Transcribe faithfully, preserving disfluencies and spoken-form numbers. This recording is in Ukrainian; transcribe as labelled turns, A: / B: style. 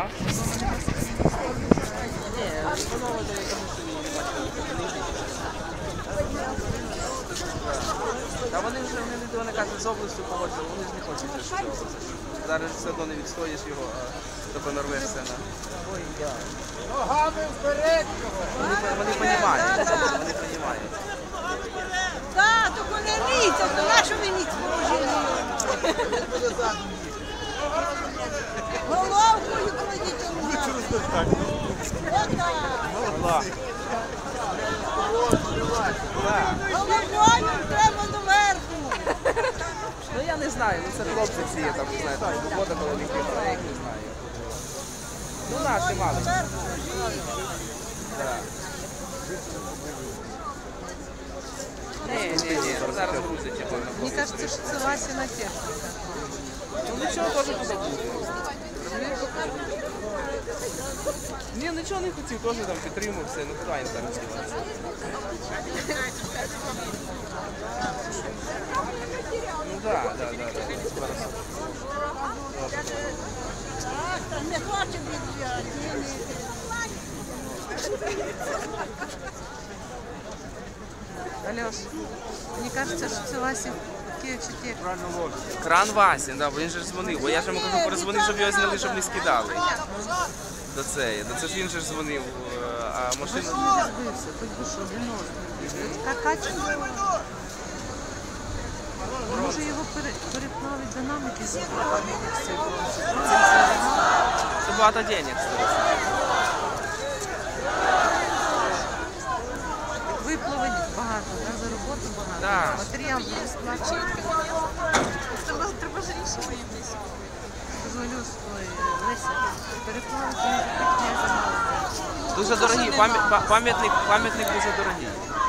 A: А? Ні, поновити, я кажу, що ні, не бачили. Та вони вже не вони кажуть, з областю погоджували, вони ж не хочуть вже цього. Зараз все одно не відстоїш його, а тобто нарвешся на... Ой, я.
B: Ногами вперед!
A: Вони, вони понімають, вони понімають.
C: Так, тільки не літься, то нашу ви ніч положили. Головкою кладіть у нас.
A: Отак.
C: Головою треба доверху.
A: Ну я не знаю, ну це хлопці всі, я там не знаю, там робота коли них я їх не знаю. Ну наші мали. Так. Ні, ні, ні, зараз грузять я певно.
C: Мені кажеться, що це Васіна техніка.
A: Ну нічого теж позабуде. Ні, нічого не хотів, теж там підтримав все, ну куди їм там здіватися. Ну так, так, так, так.
C: Не хоче відбігати. Альош, мені кажеться, що це Васі Київчі техніка.
A: Кран Васін, да, бо він же ж дзвонив, бо я ж йому кажу, перезвонив, щоб його зняли, щоб не скидали. До цієї, до це ж він же ж дзвонив, а машина...
C: Не розбився, хоч би що, виносить. Какаче. Може його переплавить динамики з
A: Це багато денег стоїть.
C: Виплавить багато, да, за роботу багато.
A: Да.
C: Матеріал буде сплачувати. Треба, треба ж рішити якесь. Дозволю свої Леся переплавити, не замало.
A: Дуже дорогий, пам'ятник, пам'ятник дуже дорогий.